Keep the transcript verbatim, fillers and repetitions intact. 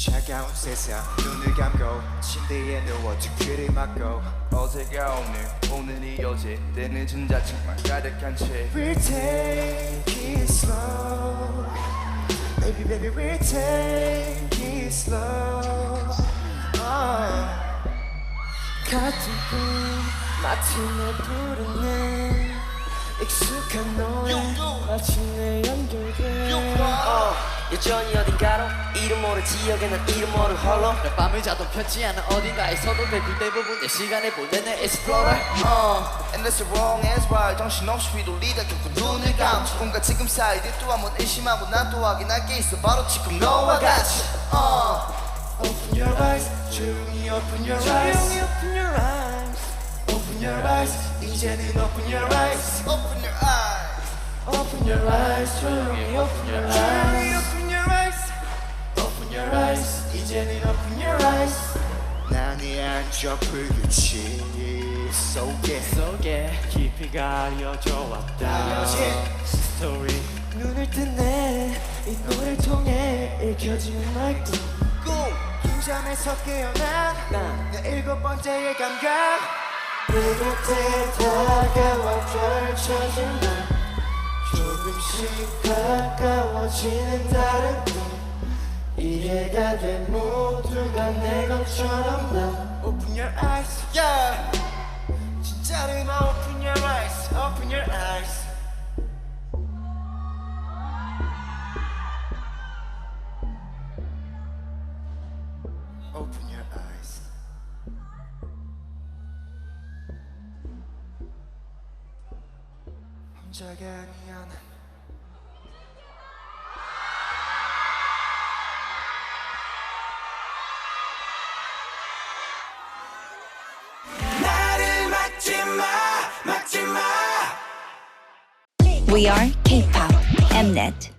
차가운 세상 눈을 감고 침대에 누워 두 귀를 막고 어제가 오늘 오늘이 어제 때는 전자책만 가득한 채 We'll take it slow Baby baby we'll take it slow uh. 같은 꿈 마침내 부르네 익숙한 노래 마침내 연결돼 어, 여전히 어딘가로 이름 모를 지역에 난 이름 모를 홀로 몇 밤을 자도 편치 않은 어딘가에서도 대부분 대부분 내 시간을 보내는 explorer uh, And that's the wrong as well 정신없이 휘둘리다 결국 눈을 감고 지금과 지금 사이 또 한번 의심하고 난 또 확인할 게 있어 바로 지금 너와 같이 uh. Open your eyes 조용히 open your eyes 조용히 open your eyes Open your eyes 이제는 open your eyes Open your eyes Open your eyes 조용히 open your eyes Open your eyes Open your eyes 이제는 open your eyes 난이 안쪽 불빛이 속에 속에 깊이 가려져 왔다 스토리 눈을 뜨네 이 노래를 통해 읽혀지는 말도 꿈 잠에서 깨어난 난 내 일곱 번째의 감각 내 곁에 다가와 펼쳐진 날 조금씩 가까워지는 다른 꿈 이해가 돼 모두가 내 것처럼 난 Open your eyes Yeah 진짜를 마 Open your eyes Open your eyes Open your eyes 혼자가 아니야 난 나를 막지 마 막지 마 We are K-pop Mnet.